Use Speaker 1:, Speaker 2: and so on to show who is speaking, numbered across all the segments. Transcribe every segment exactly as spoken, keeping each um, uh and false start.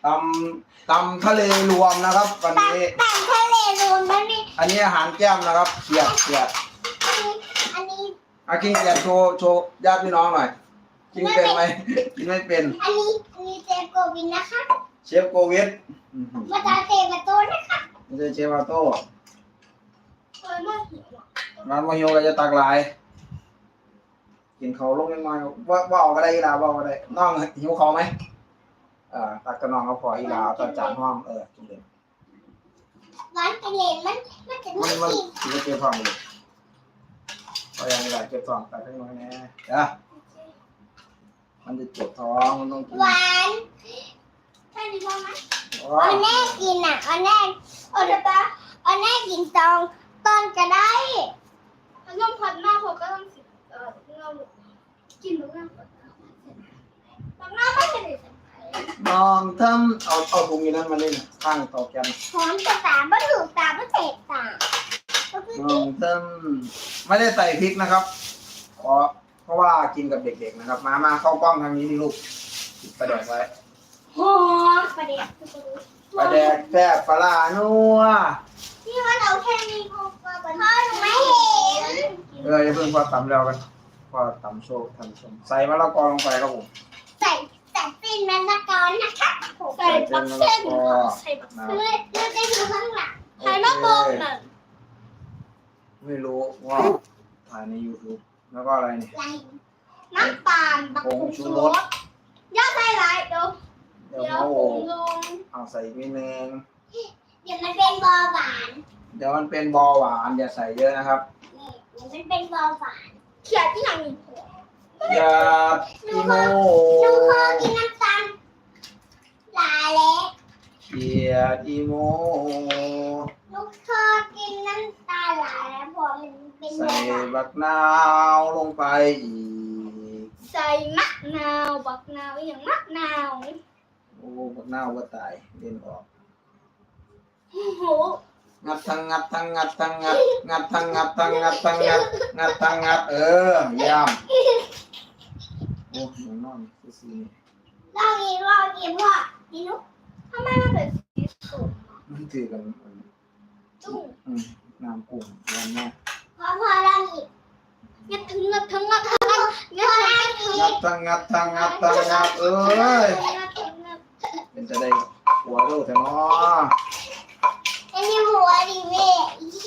Speaker 1: ตำตำทะเลรวมนะครับวันนี้
Speaker 2: ตำทะเลรวมแล้วนี่
Speaker 1: อันนี้อาหารแก้มนะครับเขียดเขียด
Speaker 2: อันนี้
Speaker 1: อากินเขียดโชว์โชว์ญาติพี่น้องหน่อยกินเป็นไหมกินไม่เป็น
Speaker 2: อันนี้อันนี้เจโกวินนะคะ
Speaker 1: เชฟโกวิด
Speaker 2: มาตาเตมาโต้นะคะ
Speaker 1: ไม่ใช่เชฟมาโต้
Speaker 2: ร้านมาหิว
Speaker 1: ร้านมาโยก็จะตักหลายกินเขาลงยังไงว่าว่าออกก็ได้อีลาว่าก็ได้น้องหิวเขาไหมเอ่อตักกระนองเขาพออีลาตอนจานห้องเออกินเลย
Speaker 2: ร้านกระเลนมันมันจะ
Speaker 1: มันมัน
Speaker 2: กิน
Speaker 1: กินเก็บท้องเลยพอยังอีลาเก็บท้องไปให้น้อยแน่เด้อมันจะเจ็บท้องมันต้องกิน
Speaker 2: หวานใช่ดีไหมอันแน่กินอ่ะอันแน่อันตาอันแน่กินตองตอนก็ได้น้ำผัดมากพอก็ต้องสิเออเรากินตรงนั้นตรงนั้นไม่ใช่
Speaker 1: น้องทำเอาเอาถุงนี้นั้นมาเล่นข้างต่อกัน
Speaker 2: หอมจะตาไม่ถูกตาไม่เตะตา
Speaker 1: น้องทำไม่ได้ใส่พริกนะครับเพราะเพราะว่ากินกับเด็กๆนะครับมามาเข้ากล้องทางนี้ดิลูกประแดกไว้
Speaker 2: หอมประแดก
Speaker 1: ประแดกแซ่บปลานัว
Speaker 2: นี่ว่าเราแค่มีพอพ่อหนูไม่เห็น
Speaker 1: เอออย่าเพิ่งพอตำแล้วกันพอตำโชว์ทำชมใส่มะละกอลงไปครับผม
Speaker 2: ใส่ใส่เป็นมะละกอนะคะใส่ปักเส้นใส่ปักเส้นเลือดเลือดได้ดูข้างหลังใส่มะม่วงน่ะ
Speaker 1: ไม่รู้ว่าถ่ายใน YouTube แล้วก็อะไรเนี่ย
Speaker 2: น้ำตาลบักผงชูรสย่าใส่ไรเดี๋ยว
Speaker 1: เดี๋ยวผงลงเอาใส่อีกนิดนึง
Speaker 2: เดี๋ยวมันเป็นเบาหวาน
Speaker 1: เดี๋ยวมันเป็นเบาหวานอย่าใส่เยอะนะครับ
Speaker 2: นี่เดี๋ยวมันเป็นเบาหวานเขียดที่ยังมีเผือก
Speaker 1: อย่าอีโม่
Speaker 2: หนูขอกินน้ำตาลลาเล็ก
Speaker 1: เขียดอีโม่
Speaker 2: หนูขอกินน้ำตาลลาแล้วพอมันเป็น
Speaker 1: ใส่บักนาวลงไปอีก
Speaker 2: ใส่มะนาวบักนาวอย่างมะนาว
Speaker 1: โอ้บักนาวก็ตายเด่นออก
Speaker 2: โอ้โห
Speaker 1: งัดทั้งงัดทั้งงัดทั้งงัดงัดทั้งงัดทั้งงัดทั้งงัดงัดทั้งงัดเออย่ำโอ้หนูนอนสี
Speaker 2: ลองอีกลองอีกว่าดีนุ๊กทำไมมันเป็นสีส้ม
Speaker 1: มันถือกัน
Speaker 2: จุ้ง
Speaker 1: อืมน้ำกุ้งยันแม่
Speaker 2: พอพอลองอีกงัดทั้งงัดทั้งงัดทั้งงัด
Speaker 1: งัดงัดทั้งงัดทั้งงัดทั้งงัดเอ้ยเป็นจะได้หัวโลแต่เนาะ
Speaker 2: อันนี้หัวดิเว้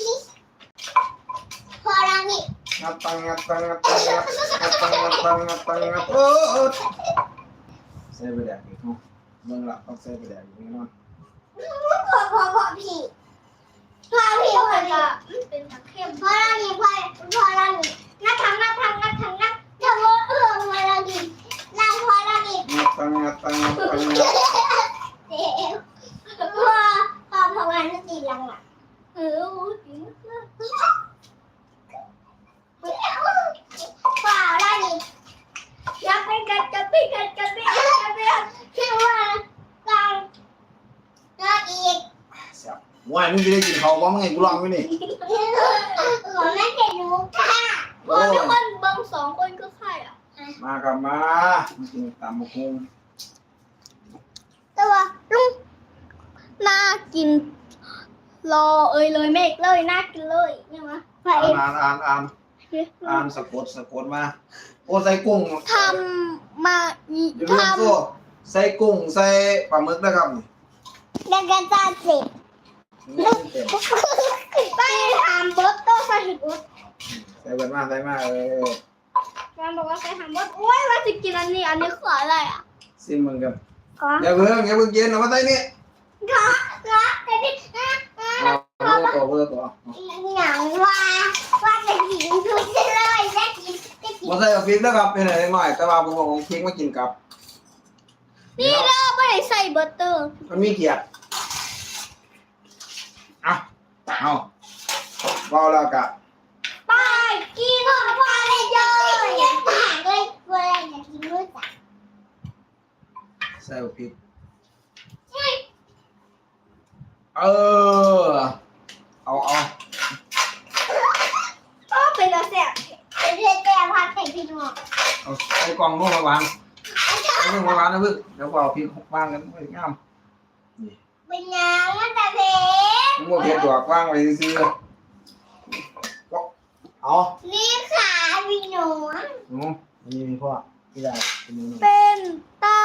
Speaker 2: พอลองอีก
Speaker 1: งัดทั้งงัดทั้งงัดทั้งงัดงัดทั้งงัดทั้งงัดทั้งงัดเออใส่ไปแดกอีกเนาะเมืองละต้องใส่ไปแดกอีกแน่นอน
Speaker 2: พอพอพอพี่พอพี่พอจะเป็นตะเข็มพอลองอีกพอพอลองอีกงัดทั้งงัดทั้งงัดทั้งงัดทำว่าเออมาลองอีกลองพอลองอีก
Speaker 1: งัดทั้งงัดทั้งงัดทั้งงัด
Speaker 2: เดี๋ยวพอพอพอวันนี้ตีลังอ่ะเออจริงเปล่าได้ดิอย่าไปกัดกัดไปกัดกัดไปกัดกัดไปคิดว่ากลางก็อีก
Speaker 1: ว่ามึงจะได้กินเขาบ้างไงกูลองไว้นี่
Speaker 2: ผมไม่เห็นหนูค่ะพอทุกคนเบิ้งสองคนก็ใครอ่ะ
Speaker 1: มากับมามากินตามมะคุง
Speaker 2: ตัวลุงน่ากินรอเอ้ยเลยเมฆเลยน่ากินเลยเนี่ยมั้ย
Speaker 1: อ่านอ่านอ่านอ่านสะกดสะกดมาโอ้ใส่กุ้ง
Speaker 2: ทำมา
Speaker 1: ทำใส่กุ้งใส่ปลาหมึกนะครับนี่
Speaker 2: แล้วก็จะเสร็จไปทำบดโต้ใส่บด
Speaker 1: ใส่เบิดมาใส่มาเออ
Speaker 2: แม่บอกว่าใส่ทำบดโอ้ยว่าจะกินอันนี้อันนี้คืออะไรอ่ะ
Speaker 1: ซิมมึงกันอย่าเพิ่งอย่าเพิ่งเย็นเอามาใส่นี่
Speaker 2: ก็ก็แต่นี่
Speaker 1: เอาเพื่อตัวเพื่อตัว
Speaker 2: อย่างว่าว่าจะกินทุกเลยได้กินได้กิน
Speaker 1: มาใส่กับพริกนะครับเป็นอะไรหน่อยแต่ว่าผมบอกของพริกมากินกับ
Speaker 2: นี่เราไม่ได้ใส่บัตเตอร์
Speaker 1: มันมีเกียรติเอาเอาเบาแล้วกะ
Speaker 2: ไปกินของพ่อเลยเยอะยังต่างเลยเวลาอยากกินด้วยจ้ะ
Speaker 1: ใส่พริกเออเอาเอา
Speaker 2: ก็เป็นแล้วแซ่บเป็นเรื่องแต่พักแต่พี่น้อง
Speaker 1: เอาไอ้กล่องนู่นมาวางไอ้นู่นมาวางนะเพื่อนเดี๋ยวเอาพริกวางกันไม่งาม
Speaker 2: เป็นยังมันจะเพชร
Speaker 1: มึงบ่เผ็ดดอกว่างไว้ซื้อเอา
Speaker 2: นี่ขาพี่หนู
Speaker 1: หนูนี่มีพ่อที่ได้เป็นหนู
Speaker 3: เป็นตา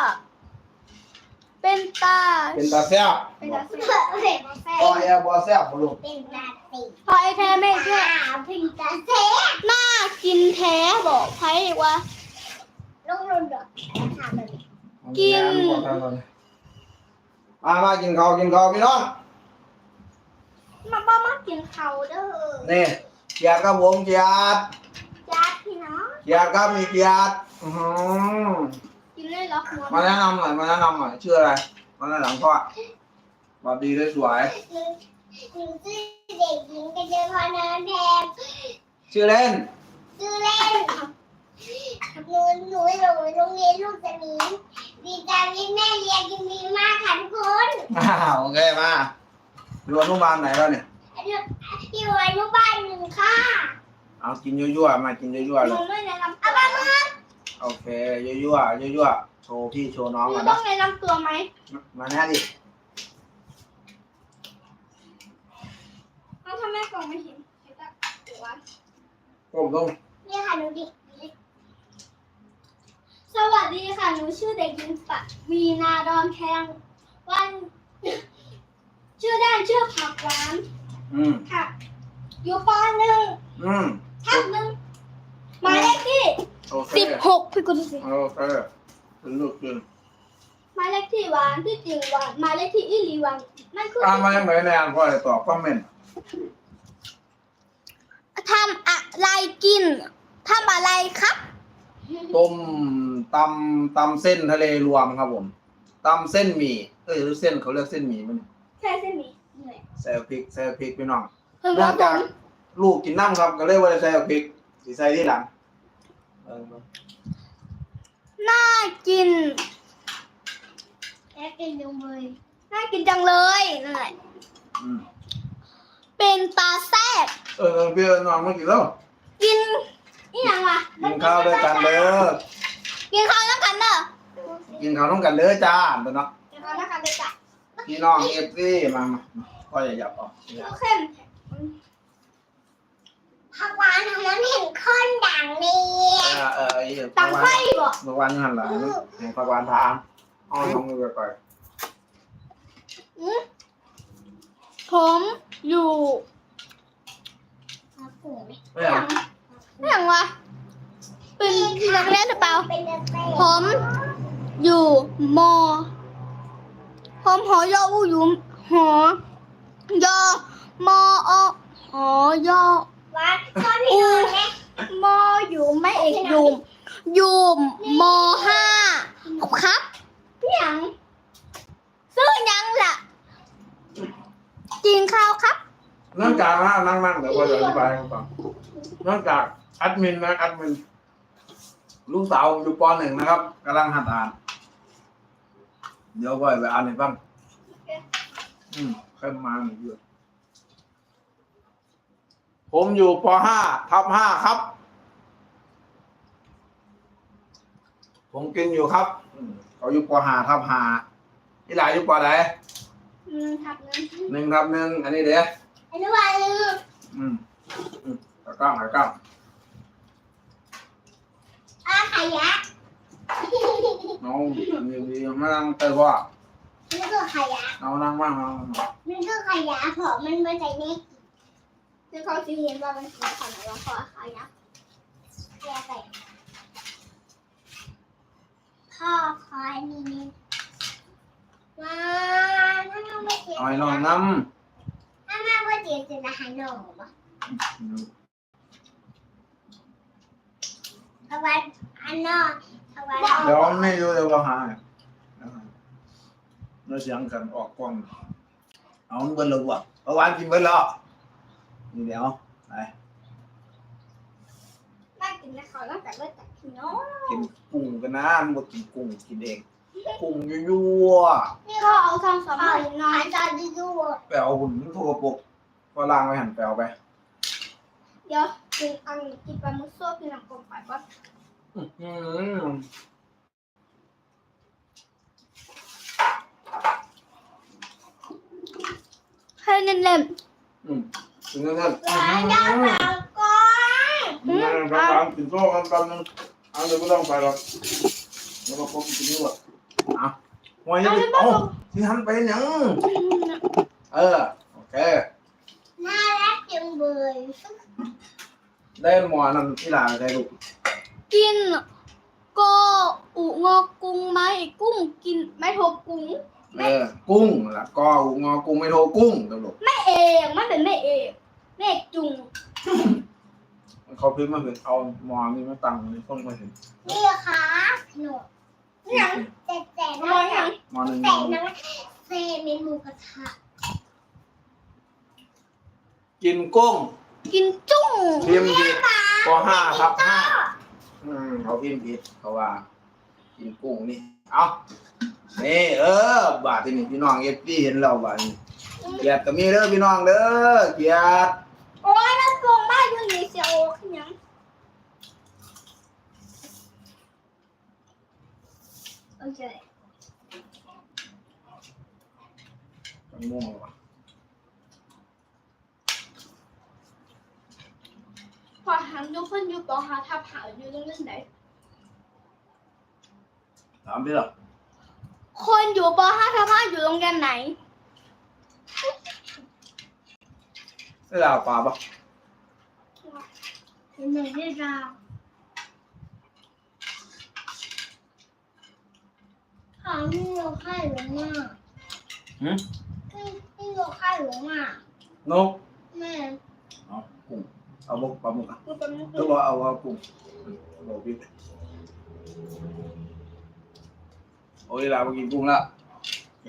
Speaker 3: เป็นตา
Speaker 1: เป็นตาแซ่บ
Speaker 3: เป็นตา
Speaker 2: เผ็ดเผ็ดแซ่
Speaker 1: พ่อบ แอร์บ่แซ่บบ่ลูก
Speaker 2: เป็นตาติ
Speaker 3: พอไอแท้ไม่เชื่อ
Speaker 2: เป็นตาแซ่บ
Speaker 3: น่ากินแท้บอกไพ่ว่า
Speaker 2: ลงลงดอกถามแบบนี้
Speaker 3: กิน
Speaker 1: มามากินข้าวกินข้าวพี่น้อง
Speaker 3: มาบ้ามากินเขาเด้อ
Speaker 1: นี่เกียรติครับผมเกียรติ
Speaker 3: ญาติพี่น้อง
Speaker 1: เกียรติครับมีเกียรติอื้อหือ
Speaker 3: กินเลยเหรอหัว
Speaker 1: มาแนะนำหน่อยมาแนะนำหน่อยชื่ออะไรมาแนะนำพ่อสวัสดีสวย
Speaker 2: หนูหนูชื่อเด็กหญิงกัญญาพรเนินแพง
Speaker 1: ๆชื่อเล่น
Speaker 2: ชื่อเล่นหนูหนูอยู่โรงเรียนลูกสมิงดีจังที่แม่เรียนยินดีมากค่ะทุกคน
Speaker 1: อ่าโอเคมาอยู่อนุบาลไหนแล้วเนี่ย
Speaker 2: อนุอยู่อนุบาลหนึ่งค่ะ
Speaker 1: เอากินยั่วๆมากินยั่วๆ
Speaker 3: ห
Speaker 1: เล
Speaker 3: นู
Speaker 1: ย
Speaker 3: ไม่แนะนำ
Speaker 2: เอา
Speaker 3: ตัว
Speaker 2: มาเมื่อ
Speaker 1: โอเคยั่วๆยั่วๆโชว์พี่โชว์น้อง
Speaker 3: หนู
Speaker 1: กัน
Speaker 3: ต้อ
Speaker 1: นะ
Speaker 3: งแนะนำตัวไหม
Speaker 1: มาแน่ดิ
Speaker 3: เอ้าทำไมกล่องไม่เห็นเห็นแต่หัว
Speaker 1: ก้มลง
Speaker 2: นี่ค่ะหนูดิ
Speaker 3: สวัสดีค่ะ หนูชื่อเด็กหญิงปะวีนาดอนแพงวัน ชื่อด้านชื่อผักหวาน
Speaker 1: อืม
Speaker 3: ค่ะ อยู่ปหนึ่ง
Speaker 1: อืม
Speaker 3: ทับหนึ่งหมายเลขที่
Speaker 1: โอเค
Speaker 3: สิบหกพี่กุลสิ
Speaker 1: โอเคขึ้นลูกขึ้น
Speaker 3: หมายเลขที่หวานที่จริงหวานหมายเลขที่อีหลีหวานนั่นคือ
Speaker 1: อ่านมายังไงแนนพ่อเลยตอบคอมเมนต์
Speaker 3: ทำอะไรกินทำอะไรครับ
Speaker 1: ต้มตำตำเส้นทะเลรวมครับผมตำเส้นหมี่เอ้ยหรือเส้นเขาเรียกเส้นหมี่มัน
Speaker 3: ใช่เส้นหมี่เหนื่อย
Speaker 1: ใส่พริกใส่พริกพี่น้อง
Speaker 3: เพิ่ง
Speaker 1: เนื่
Speaker 3: ว่า
Speaker 1: อง
Speaker 3: ผ
Speaker 1: จาก
Speaker 3: ม
Speaker 1: ลูกกินน้ำครับก็เลยว่าจะใส่พริกสีใส่ที่หลังเออ
Speaker 3: น่ากิน
Speaker 2: แล้กินดูมือ
Speaker 3: น่ากินจังเลยนั่นแหละ
Speaker 1: อืม
Speaker 3: เป็นตาแซ่บ
Speaker 1: เออเออพี่น้องมากินแล้ว
Speaker 3: กินนี่ยังวะ
Speaker 1: กินข้าวด้วยกันเด้อ
Speaker 3: กินข้าวแล้วกันเด้อ
Speaker 1: กินข้าวต้องกันเด้อจ้าตัวเนาะ
Speaker 3: กินข้าวแล้วกันเด้อจ้ะ
Speaker 1: พี่น้องเอฟซีมามาพ่ออย่าหยับออก
Speaker 3: ลูกเข้ม
Speaker 2: ผักหวานของมันเห็นข้นด่างนี่
Speaker 1: เออเออไอ้
Speaker 3: ตังไฟบ่
Speaker 1: เมื่อวานยังหันหลังให้พระวานถามอ้อนน้องมือก่อน
Speaker 3: ผมอยู่
Speaker 2: ผักกูไหม
Speaker 1: ไม่เอา
Speaker 3: นี่ยังวะเป็นนักเรียนหรือเปล่า
Speaker 2: เป็นเด็กเต้
Speaker 3: ผมอยู่มอ ผมหอยออูอยู่หอยอมออหอยอ
Speaker 2: วัดชอบพี่นอนไหม
Speaker 3: มออยู่ไม่เอกอยู่อยู่มห้าครับยังซื้อยังล่ะกินข้าวครับ
Speaker 1: เนื่องจากนะนั่งนั่งเดี๋ยวพ่อจะอธิบายให้ฟังเนื่องจากแอดมินนะแอดมินลูกสาวอยู่ปหนึ่งนะครับกำลังหัดอ่าน เดี๋ยวพ่อไปอ่านให้ฟังอืมเข้มมาหนึ่งเยอะผมอยู่ปห้าทับห้าครับ ผมกินอยู่ครับอืมเขาอยู่ปห้าทับห้าที่หลายอยู่ปไหน
Speaker 3: หนึ่งทับหนึ่ง
Speaker 1: หนึ่งทับหนึ่งอันนี้เด้อ
Speaker 2: อนุบาลหนึ่ง
Speaker 1: อืมอืมตะกร้างตะกร้าง
Speaker 2: อาขยะ
Speaker 1: น้องดีดีมานั่งเตยพ่อ
Speaker 2: นี่คือขยะ
Speaker 1: เอานั่งบ้างเอา
Speaker 2: นี่คือขยะเพราะมันมาใส่เน็ก
Speaker 3: ซึ่งเขาจะเห็นว่ามันคือขนมขอขายนะ
Speaker 2: แยกไปพ่อคอยนี่นี่มาถ้าน้องไม่เจ็บ
Speaker 1: เอาให้น้องน้
Speaker 2: ถ้าแม่ไม่เจ็บจะอาหารน้องบ่
Speaker 1: ำ
Speaker 2: เอาไว้อันนอกเอาไว้
Speaker 1: เดี๋ยวไม่รู้เดี๋ยวเราหาเราเสียงกันออกกล้องเอาเบิ้ลเลยว่ะเอาหวานกินเบิ้ลแล้วนี่เดี๋ยวไป
Speaker 3: น่ากินนะเขาตั้งแต่เริ่มจากพี่น้อง
Speaker 1: กินกุ้งกันนะมันบอกกินกุ้งกินเองกุ้งยั่ว
Speaker 2: นี่
Speaker 3: ก็
Speaker 2: เขา
Speaker 3: เอาทองสอง
Speaker 2: เอา
Speaker 3: ใบน้อ
Speaker 2: หาย ยใจดีดู
Speaker 1: ๆแปลวหุ่นทั่วปกก็ล่างไว้หันแปลวไป
Speaker 3: เดี๋ยวกินอันกินปลาหมึกส้มกินน้ำกลมไปก่อน
Speaker 1: อืม
Speaker 3: เล่น
Speaker 1: อืมถึงนั่นนั่น
Speaker 2: หลานยาวหลังก่อน
Speaker 1: นั่นกำลังกินโซ่กันกันนึงเอาเดี๋ยวไม่ต้องไปหรอกแล้วก็พบกินนี่หมดอ่ะหัวยังโอ้ที่หันไปยัง
Speaker 3: ๆ
Speaker 1: เออโอเค
Speaker 2: น่ารักจังเลย
Speaker 1: ได้หมอนั่นที่หลานได้ลูก
Speaker 3: กินก็อุงอกุ้งไหมกุ้งกินไม่โทบกุ้ง
Speaker 1: เออกุ้งละกองอกุ้งไม่โทรกุ้งตลก
Speaker 3: ไม่เอกมันเป็นไม่เอกแม่จุง
Speaker 1: เขาพิมพ์มาเห็นเอาหมอนี่มาตั้งในต้นมาเห็น
Speaker 2: นี่ค่ะหนูหนังแต่แต่
Speaker 3: มองยัง
Speaker 1: หมอหนึ่ง
Speaker 2: แต่หนังเซเมนูกระทะ
Speaker 1: กินกุ้ง
Speaker 3: กินจุ้ง
Speaker 1: พิมพ์ผิดปห้าครับห้าอืมเขาพิมพ์ผิดเขาว่า กินกุ้งนี่เอานี่เออบาทที่นี่พี่น้องเอฟซีเห็นเราบาทนี้เกียรติก็มีเด้อพี่น้องเด้อเกียรติ
Speaker 3: โอ้ยมันโกงมากอยู่นี่เสียโอ้ขึ้นยัง
Speaker 2: โอเค
Speaker 1: มันม่วงว่ะ
Speaker 3: พอถามทุกคนอยู่ปอหาทับหาอยู่ตรงนั้นไหน
Speaker 1: ถามพี่หรอ
Speaker 3: คนอยู่ปอห้าทับห้าอยู่โรงเรียนไหน
Speaker 1: ได้ลาวปลาปะ
Speaker 2: เป็นหนึ่งที่เราหาที่เราค่ายหลวงมา
Speaker 1: หืม
Speaker 2: ที่ที่เราค่ายหลวงมาน
Speaker 1: ก
Speaker 2: แม่
Speaker 1: เอากุ้งเอาบุกปลาหมึกอ่ะ
Speaker 3: กูเป็น
Speaker 1: หรือว่าเอาเอากุ้งบอกพี่โอ้ยลาวมากินกุ้งแล้วแย่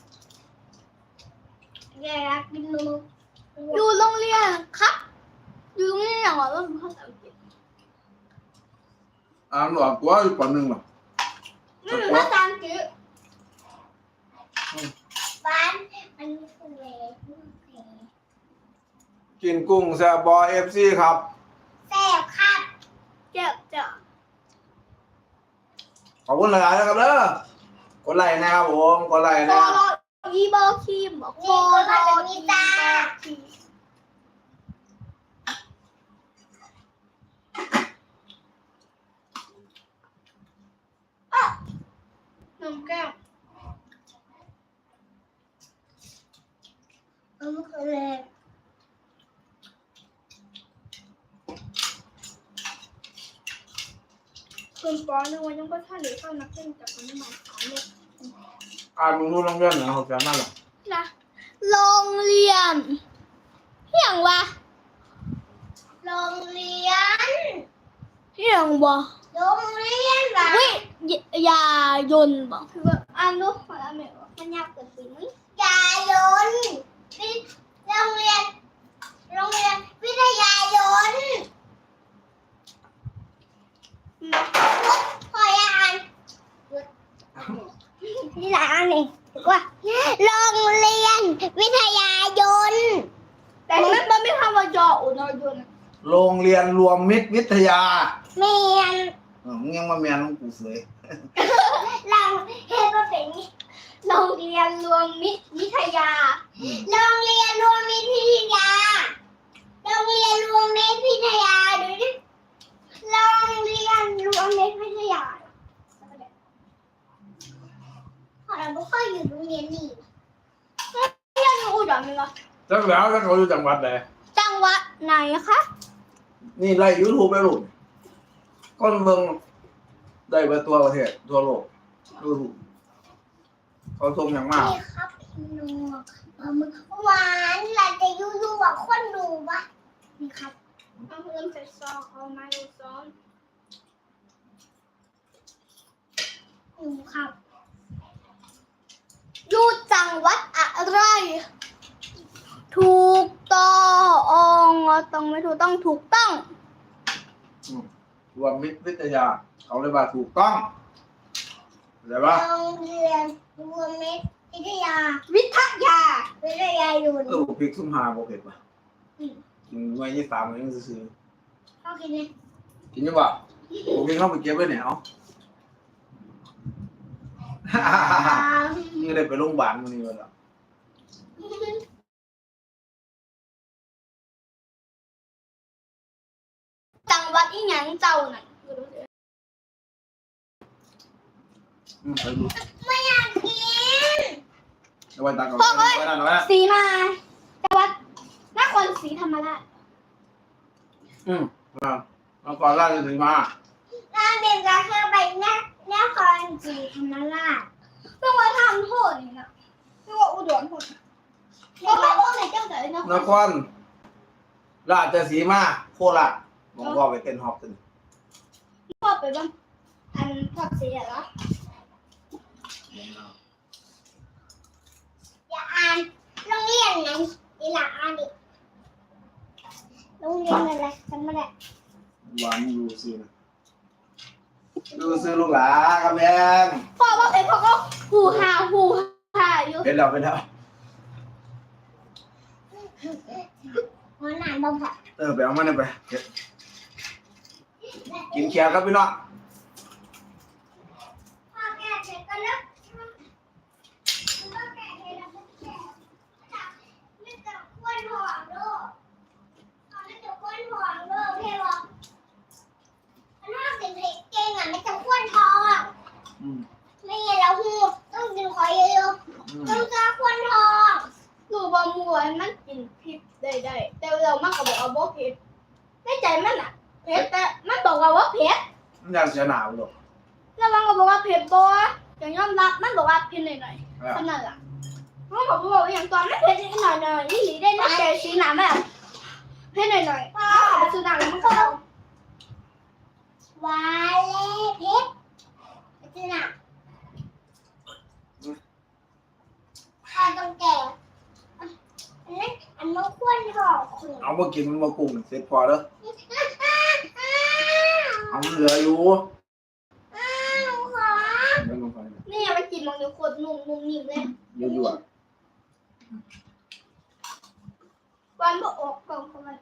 Speaker 2: แกรักกินนม
Speaker 3: อยู่โรงเรียนครับ อยู่โรงเรียนอย่างไรว่าเป็นภาษาอังกฤษ
Speaker 1: อ่านหลอกตัวอยู่ปหนึ่งหรอ
Speaker 3: ไม่เป็นภาษาอังกฤษ
Speaker 2: บ้านอันนี้คือเวท
Speaker 1: กินกุ้งแซ่บบอเอฟซีครับ
Speaker 2: แซ่บครับ
Speaker 3: เจ็บจ้ะ
Speaker 1: ขอบคุณหลายๆนะครับเด้อกดไลค์นะครับผมกดไลค์
Speaker 3: โค
Speaker 1: นะ
Speaker 3: โรอีเบอร์คิมโคโรอีเบอร์คิมน้ำแก้ว
Speaker 2: อันนี้คือเวท
Speaker 3: คุณปอนึกว่ายังก็ท่าหรือเข้านักเล่นกับมันมาขายเลย
Speaker 1: อ่านมึงรู้เรื่องเรื่องนะเขาจะนั่นหรอ
Speaker 3: นะโรงเรียนเที่ยงวะ
Speaker 2: โรงเรียน
Speaker 3: เที่ยงวะ
Speaker 2: โรงเรียนเหรอ
Speaker 3: วิยายนบอกคือว่าอ่านดูมาอ่านไม่ออกมันยากเกินไปไหม
Speaker 2: ยายนวิโรงเรียน โรงเรียนวิทยายนพอยังอ่านนี่หลานอ่านเองถูกว่าโรงเรียนวิทยายน
Speaker 3: แต่ไม่มันไม่คำว่ายออุนอยน
Speaker 1: โรงเรียนรวมมิตรวิทยา
Speaker 2: เมียน
Speaker 1: เออมึงยังมาเมียนของกูเสย
Speaker 2: เราเฮ็ดมาเป็น
Speaker 3: โรงเรียนรวมมิตรวิทยา
Speaker 1: อืม
Speaker 2: โรงเรียนรวมมิตรวิทยา โรงเรียนรวมมิตรวิทยาดูดิโรงเรียนรวมมิตรวิทยาพอเราไม่ค่อยอยู่โรงเรียนนี่
Speaker 3: เที่ยงอุดรไหมวะ
Speaker 1: จังแล้วถ้าเขาอยู่จังหวัดไหน
Speaker 3: จังหวัดไหนคะ
Speaker 1: นี่ไล่ยูทูบไปลูกก้นเมืองได้ไปตัวประเทศทั่วโลกยูทูบเขาชมอย่างมาก
Speaker 2: นี่ครับพี่นัวปลาหมึกหวานเราจะยูทูบกับคนดูปะนี่ครับ
Speaker 3: เอาเริ่มใส่ซองเอาไม้ดูซอง
Speaker 2: ดูครับ
Speaker 3: อยู่จังหวัดอะไร ถูกต้องต้องไม่ถูกต้องถูกต้อง
Speaker 1: รวมมิตรวิทยา เขาเลยว่าถูกต้องเข้าใจปะ
Speaker 2: โรงเรียนรวมมิตรวิทยา
Speaker 3: วิทยา
Speaker 2: วิทยายน
Speaker 1: เออพริกซุ่มหาโบเผ็ดปะกินไว้ยี่สามยังซื้อ
Speaker 2: โอเคเนี่ย
Speaker 1: กินยังปะผมกินเข้าไปเก็บไว้เนี่ยเอา นี่ได้ไปโรงพยาบาลวันนี้วันละ
Speaker 3: หยังเจ้าน่ะ
Speaker 1: อืมไปดู
Speaker 2: ไม่อยากกิน
Speaker 1: เอาไว้ตักก่อนเอาไว้ตักก่อน
Speaker 3: สีมาจังหวัดนครศรีธรรมราช
Speaker 1: อืมอ่าเอาก่อนล่าจะถึงมา
Speaker 2: น้ำเด็กจะเข้าไปนนครศรีธรรมราช
Speaker 3: ต้องมาทำโทษนี่นะต้องว่าอุดรโทษเพราะไม่พวกไหนเจ้าไหนนะ
Speaker 1: นครราชสีมาโคราชผมก็ไปเต้นฮอปกัน
Speaker 3: พ่อไปบ้างอันทอดเสียเหรอ
Speaker 2: อย่าอ่านโรงเรียนไหนดีละอ่านดิโรงเรียนอะไรจำไม่ได้
Speaker 1: วางดูซื้อนะดูซื้อลูกหลาครับแดง
Speaker 3: พ่อว่าเป็นพ่อก็หูหาหูหาอยู่
Speaker 1: เป็นแล้วเป็นแล้ว
Speaker 2: หัวหน้าบ่พอ
Speaker 1: เออไปเอามันไปเก็บกินเคียวครับพี่น้อง
Speaker 2: พ่อแก่เสร็จก็เลิกพ่อแก่เสร็จแล้วก็แก่ไม่ต้องควนหอมลูกไม่ต้องควนหอมลูกเพ่บอกถ้าเป็นเพลงเก่งอ่ะไม่ต้องควนทอง
Speaker 1: อืม
Speaker 2: ไม่งั้นเราหูต้องกินคอยเยอะ
Speaker 1: อืม
Speaker 2: ๆต้องการควนทอง
Speaker 3: หนูบะมัวมันกินพริกได้ได้แต่เรามันก็บอกว่าบ่เผ็ดในใจมันอ่ะเผ็ดแต่มันบอกว่าว่าเผ็ด
Speaker 1: มันอยากเสียหนาวหรอก
Speaker 3: แล้วมันก็บอกว่าเผ็ดบ่อย่างยอมรับมันบอกว่าเผ็ดหน่อยๆ
Speaker 1: อ่ะ
Speaker 3: ขนาดอ่ะเขาบอกว่าอย่างตอนไม่เผ็ดนิดหน่อยหน่อยนี่หลีได้นะแต่สีหนาแบบเผ็ดหน่อยหน่อยพ่อไปซื้อหนังแล้วมันก็เอา
Speaker 2: วาเล่เพชรจีน่ะพอต้องแก่อันนั้นอันนั้นควนทองคุณ
Speaker 1: เอามากินมันมากุ้งเสร็จพอแล้วเอามันเหลืออยู่
Speaker 2: อ้าวขอ
Speaker 1: เดี๋ยวลงไป
Speaker 3: นี่ยังไม่กินมันอยู่โคตรนุ่มนุ่มนิ่มเลย
Speaker 1: เยอะๆอ่ะ
Speaker 3: วันบ่ออกกล่องของมัน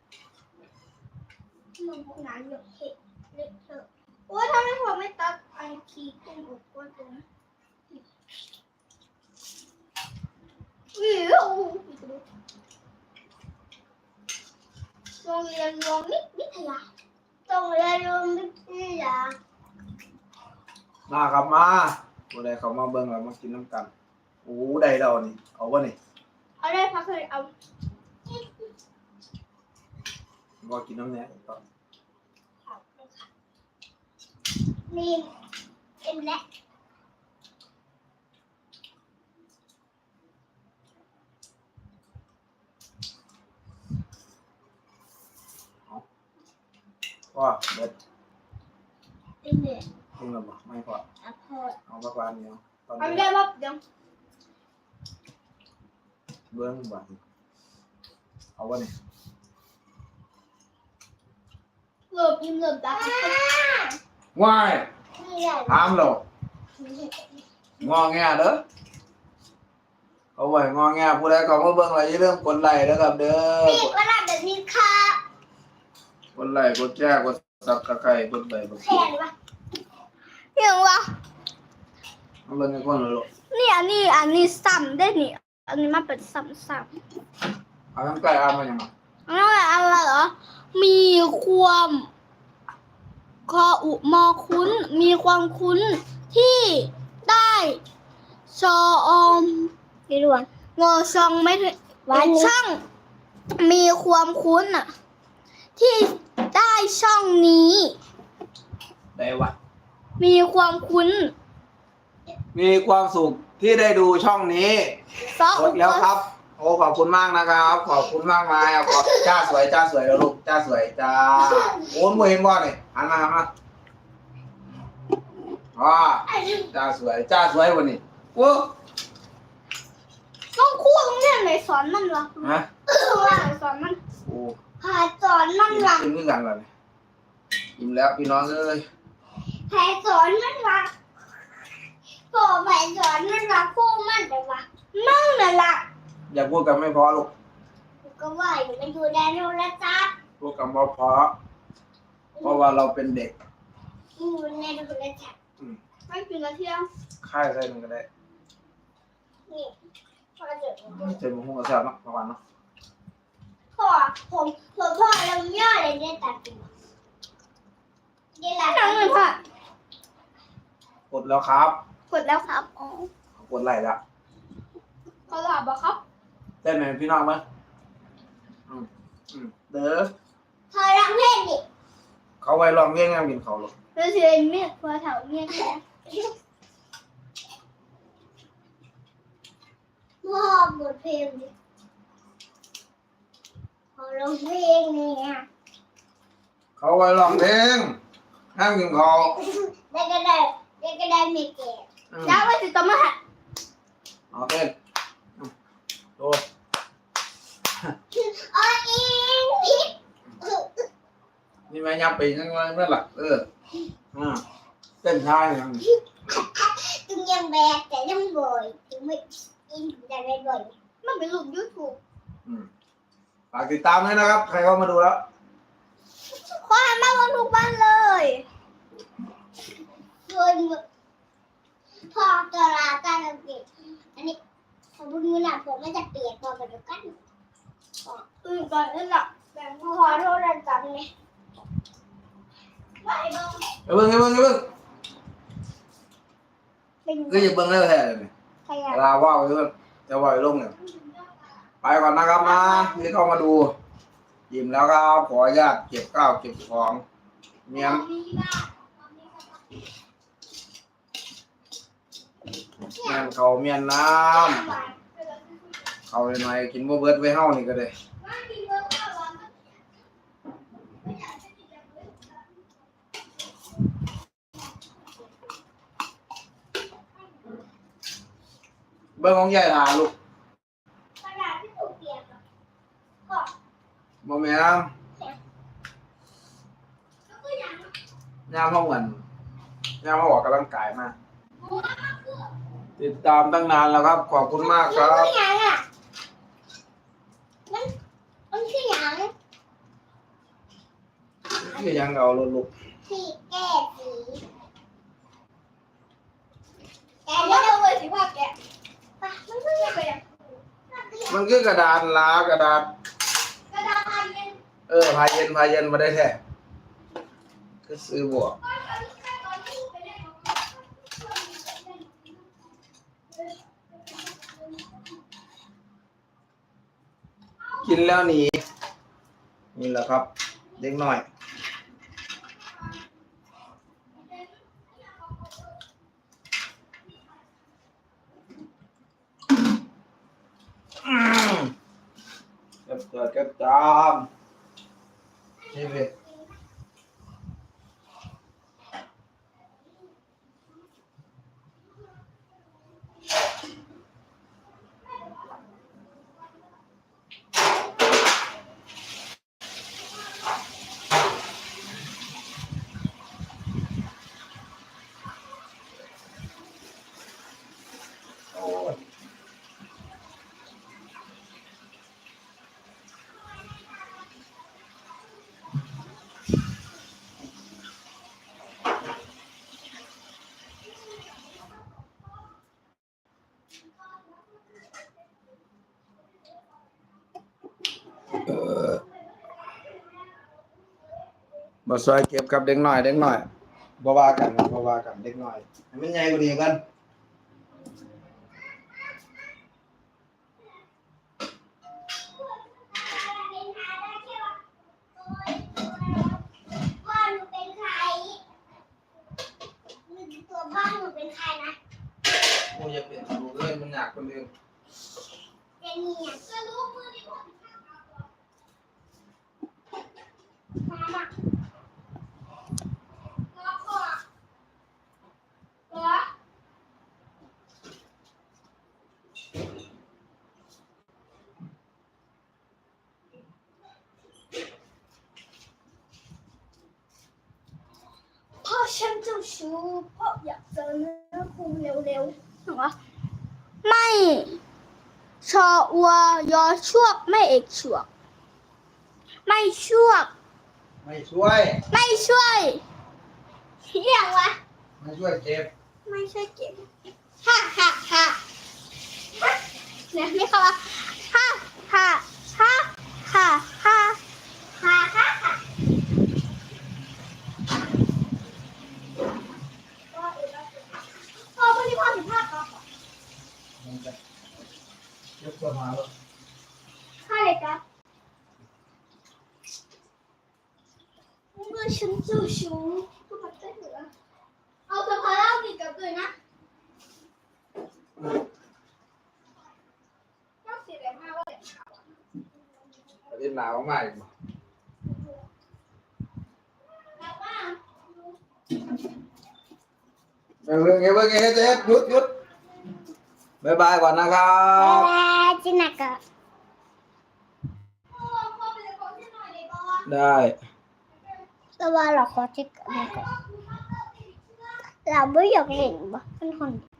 Speaker 3: นุ่มหนาอยู่เห็ดเล็กเถอะโอ้ยถ้าไม่พอไม่ตัดไอคีกุ้งอบกวนตรงนั้นวิวโรงเรียนรวมมิตรวิทยา
Speaker 2: ต้องเรียนรู้วิทยา
Speaker 1: มาครับมาตัวใดเขามาเบิ่งแล้วมากินน้ำกันโอ้ได้เรานี่เอาวะนี่
Speaker 3: เอาได้พักเลยเอา
Speaker 1: ก็กินน้ำแหน่ต่อ
Speaker 2: นี่เอ็มและ
Speaker 1: ก็เด็ด
Speaker 2: เอ็มและ
Speaker 1: ขึ้นแล้วบ่ไม่พอ
Speaker 2: อะพอ
Speaker 1: เอาสักวันเดียวตอน
Speaker 3: เอา
Speaker 1: นี้
Speaker 3: ได้ปั๊บเดี๋ยว
Speaker 1: เบิ่งบ่เอาวะนี่
Speaker 3: เริ่มอิ่มเริ่มตา
Speaker 1: ว้าย
Speaker 2: นี่แหละ
Speaker 1: ถามเรางอแงเด้อเอาไว้งอแงผู้ใดเขามาเบิ่งอะไรอย่าลืมกดไลค์นะครับเด้อ
Speaker 2: นี่ก็ได้แบบนี้ค่ะ
Speaker 1: กดไลค์กดแชร์กดซับสไครต์กดไลค์กด
Speaker 2: แขนวะ
Speaker 3: ยังวะ
Speaker 1: เอาเบิ่งให้คนละลูก
Speaker 3: นี่อันนี้อันนี้ซ้ำได้นี่อันนี้มันเป็นซ้ำซ้ำ
Speaker 1: เอาทั้งไก่เอามายังไง
Speaker 3: แล้วอะไรเหรอมีความคออุมอคุ้น มีความคุ้นที่ได้ชออม
Speaker 2: พี่หลวง
Speaker 3: งอชองไม่ถึง
Speaker 2: วันนี้
Speaker 3: ช่างมีความคุ้นอะที่ได้ช่องนี้
Speaker 1: ได้วะ
Speaker 3: มีความคุ้น
Speaker 1: มีความสุขที่ได้ดูช่องนี้
Speaker 3: ซอก
Speaker 1: ดแล้วครับ โอ้ขอบคุณมากนะครับ ขอบคุณมากมายอ่ะขอบจ้าสวยจ้าสวยแล้วลูกจ้าสวยจ้าโอ้ยบ่เห็นบ่เนี่ยหันมาหันมาอ๋อจ้าสวยจ้าสวยวันนี้โอ้
Speaker 3: ต้องคู่ต้องเรียนไหนสอนมันวะ
Speaker 1: ฮะ
Speaker 3: ว่าไหนสอนมัน
Speaker 1: โอ้
Speaker 2: หาสอนมัน
Speaker 1: กิน
Speaker 2: วะ
Speaker 1: กินด้วยกันเลยอิ่มแล้วพี่น้องเอ้ย
Speaker 2: แผลสอนมันวะพ่อแผลสอนมันวะคู่มันแต่วะ
Speaker 3: มั่งน่ะล่ะ
Speaker 1: อย่าพูดกันไม่พอลูก
Speaker 2: ก็ว่าอยู่มันอยู่ในโทรศัพท์
Speaker 1: พูดกันพอพอเพราะว่าเราเป็นเด็ก
Speaker 2: อยู่ในโทรศัพท์
Speaker 3: ไม่กินละเที่ยง
Speaker 1: ค่ายใส่มันก็ได้
Speaker 2: นี่พ่อเจอ
Speaker 1: เจอมันหุ้งกระแซบเนาะประมาณเนาะ
Speaker 2: พ่อผมผมพ่อลำย่อเลยได้ตัดตัวนี่แหละน้องหนึ่งค่ะ
Speaker 1: กดแล้วครับ
Speaker 3: กดแล้วครับอ๋อก
Speaker 1: ดไลค์แล้ว
Speaker 3: เขาหลับอ่ะครับ
Speaker 1: เต้นไหมพี่น้องมั้ยอืมอืมเด้อ
Speaker 2: เธอร้องเพลงดิ
Speaker 1: เขาไว้ลองเลี้ยงงานกินเขาหรอก
Speaker 3: เราเชื่อเมียพอเถาเมียแค่
Speaker 2: มอบบทเพลงดิขอร้องเพลงเนี่ย
Speaker 1: เขาไว้ลองเพลงห้ามกินเขา
Speaker 2: ได้ก็ได้ได้ก็ได้ไม่เก็บ
Speaker 1: อืม
Speaker 3: แล้วไปติดต่อมาหา
Speaker 1: เอาเต้นอืมโอ้
Speaker 2: อ๋ออิงพิษ
Speaker 1: นี่แม่ยับไปนั่งไว้เมื่อหลักเอออ่าเต้นท่าอย่างนี้
Speaker 2: จึงยังแบกแต่ยังบ่อยจึงไม่อินแต่ไม่บ่อย
Speaker 3: มันเป็นรูปยูทูบ
Speaker 1: อืมฝากติดตามด้วยนะครับ ใครเข้ามาดูแล้ว
Speaker 3: ขอให้มาวันทุกวันเลย
Speaker 2: โดยพอตลาดการเก็บอันนี้สมมติมือหนักผมไม่จะเปียกพอไปดูกัน
Speaker 3: ตื่นก่อนนั่นแหละแบ่งพอโทษดันจับไงไม่เบิ้ง
Speaker 1: อย่าเบิ่งอย่าเบิ่งอย่าเบิ่ง
Speaker 3: เป็น
Speaker 1: ก็อย่าเบิ่งแล้วแท้เลย
Speaker 3: ใครอะ
Speaker 1: เวลาว่าวจะจะว่ายลงเนี่ยไปก่อนนะครับนะที่เข้ามาดูยิ้มแล้วครับขออนุญาตเก็บข้าวเก็บของเมียนเมียนเขาเมียนน้ำเขาหน่อยกินบ่เบิดไว้เฮานี่ก็ได้เบิ่งของใหญ่หาลูก
Speaker 2: กระดาษที่ถูกเปียกอะก็
Speaker 1: บ่แม่น
Speaker 2: ก็คืออย่าง
Speaker 1: ยามเฮาเหมือนยามเฮาออกกำลังกายมาติดตามตั้งนานแล้วครับขอบคุณมากค
Speaker 2: มัน
Speaker 1: รับ
Speaker 2: คืออย่างอ่ะมันมันคืออย่าง
Speaker 1: คือยังเอารถลูก
Speaker 2: สีแก้สีแก
Speaker 3: เอา
Speaker 2: เดี๋
Speaker 3: ว่า
Speaker 2: ยว
Speaker 3: เราเลยสิว่าแก
Speaker 2: ปะมันคืออย่าง
Speaker 3: ไปอะ
Speaker 1: มันคือกระดานลากระดาษ
Speaker 3: กระดาษพันเย็น
Speaker 1: เออพาเย็นพาเย็นมาได้แท้คือซื้อบวกกินแล้วหนีนี่แหละครับ เด็กหน่อยอืมเก็บเกิดเก็บจามนี่เลย โอ้ยเออมาซอยเก็บกับเด็กหน่อยเด็กหน่อยบ่ว่ากันบ่ว่ากันเด็กหน่อยให้มันใหญ่กว่านี้กัน
Speaker 2: พ่อหนูเป็นใครตัวพ่อหนูเป็นใครนะ
Speaker 1: โอ้ยอย่าเป็นดูเลยมันยากคนเดียว
Speaker 2: เจนี่อ่ะจะรู้มือดิพ่อมามาแล้วก็แล้วพ่อฉันเจ้าชู้พ่ออยากเจอเนื้อคู่เร็วๆ
Speaker 3: เหรอไม่ชอวัวยอชวกไม่เอกชวก ไม่ชวก
Speaker 1: ไม่ช่วย
Speaker 3: ไม่ช่วย
Speaker 2: เรียกวะ
Speaker 1: ไม่ช่วยเก็บ
Speaker 3: ไม่ช่วยเก็บฮ่าฮ่าฮ่าเนี่ยนี่เขาว่าฮ่าฮ่าฮ่าฮ่าฮ่า
Speaker 2: ค่ะค่ะค่ะ
Speaker 1: เก็บตัวมาแล้ว
Speaker 2: ข้าเลยครับเมื่อฉันเจ้าชู้ก็มาได้เหรอเอาสะพานเล่ากินกับเลยนะน่าเสียดายมากว่า
Speaker 1: ประเด็นหนาวมากอีกบ่
Speaker 2: แบบว่า
Speaker 1: เบิ่งเบิ่งเงี้ยเบิ่งเงี้ยเจ๊หยุดหยุดบ๊ายบายก่อนนะครับ
Speaker 2: บ๊ายบายจินักอะพ่อพ่อไปเลยก่อนที่หน่อยเลยก่อน
Speaker 1: ได้
Speaker 2: แต่ว่าเราขอจิกอันนี้ก่อนเราไม่อยากเล่นบ่เป็นคน